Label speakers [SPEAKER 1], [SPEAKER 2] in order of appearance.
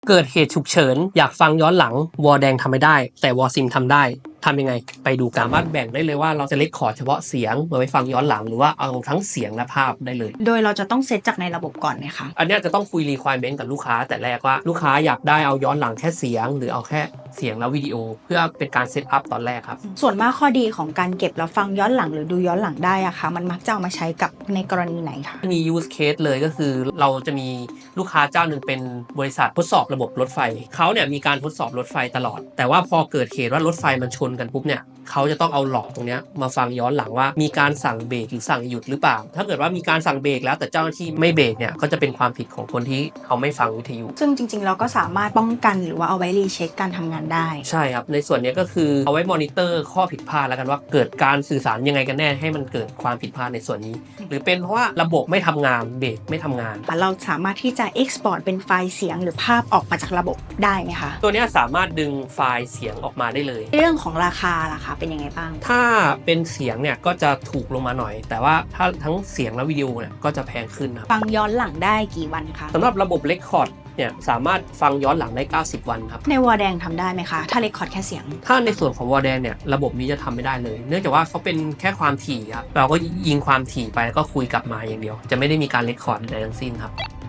[SPEAKER 1] เกิดเหตุฉุกเฉินอยากฟังย้อนหลังวอแดงทำไม่ได้แต่วอซิมทำได้ทำยังไงไปดูกันสามารถแบ่งได้เลยว่าเราจะเล็กคอร์ดเฉพาะเสียงมาไว้ฟังย้อนหลังหรือว่าเอาทั้งเสียงและภาพได้เลย
[SPEAKER 2] โดยเราจะต้องเซตจากในระบบก่อนไหมคะ
[SPEAKER 1] อันนี้จะต้องคุย requirement กับลูกค้าแต่แรกว่าลูกค้าอยากได้เอาย้อนหลังแค่เสียงหรือเอาแค่เสียงแล้ววิดีโอเพื่อเป็นการเซตอัพตอนแรกครับ
[SPEAKER 2] ส่วนมากข้อดีของการเก็บแล้วฟังย้อนหลังหรือดูย้อนหลังได้อะคะมันมักจะเอามาใช้กับในกรณีไหนคะ
[SPEAKER 1] มี use case เลยก็คือเราจะมีลูกค้าเจ้าหนึ่งเป็นบริษัททดสอบระบบรถไฟเขาเนี่ยมีการทดสอบรถไฟตลอดแต่ว่าพอเกิดเหตุว่ารถไฟมันชนกันปุ๊บเนี่ยเขาจะต้องเอาหลอกตรงนี้มาฟังย้อนหลังว่ามีการสั่งเบรกหรือสั่งหยุดหรือเปล่าถ้าเกิดว่ามีการสั่งเบรกแล้วแต่เจ้าหน้าที่ไม่เบรกเนี่ยก็จะเป็นความผิดของคนที่เขาไม่ฟังวิทยุ
[SPEAKER 2] ซึ่งจริงๆเราก็สามารถป้องกันหรือว่าเอาไว้รีเช็คการทำงานได้
[SPEAKER 1] ใช่ครับในส่วนนี้ก็คือเอาไว้มอนิเตอร์ข้อผิดพลาดแล้วกันว่าเกิดการสื่อสารยังไงกันแน่ให้มันเกิดความผิดพลาดในส่วนนี้หรือเป็นเพราะว่าระบบไม่ทำงานเบรกไม่ทำงาน
[SPEAKER 2] เราสามารถที่จะ export เป็นไฟล์เสียงหรือภาพออกมาจากระบบได้ไหมคะ
[SPEAKER 1] ตัวนี้สามารถดึงไฟล์เสียงออกมาได้เลย
[SPEAKER 2] เรื่องของราคาล่ะคะเป็นยังไงบ้าง
[SPEAKER 1] ถ้าเป็นเสียงเนี่ยก็จะถูกลงมาหน่อยแต่ว่าถ้าทั้งเสียงและวิดีโอเนี่ยก็จะแพงขึ้นครับ
[SPEAKER 2] ฟังย้อนหลังได้กี่วันคะ
[SPEAKER 1] สำหรับระบบเรคคอร์ดเนี่ยสามารถฟังย้อนหลังได้90วันครับ
[SPEAKER 2] ในวอแดงทำได้ไหมคะถ้าเรคคอร์ดแค่เสียง
[SPEAKER 1] ถ้าในส่วนของวอแดงเนี่ยระบบนี้จะทำไม่ได้เลยเนื่องจากว่าเขาเป็นแค่ความถี่ครับเราก็ยิงความถี่ไปแล้วก็คุยกลับมาอย่างเดียวจะไม่ได้มีการเรคคอร์ดใดทั้งสิ้นครับ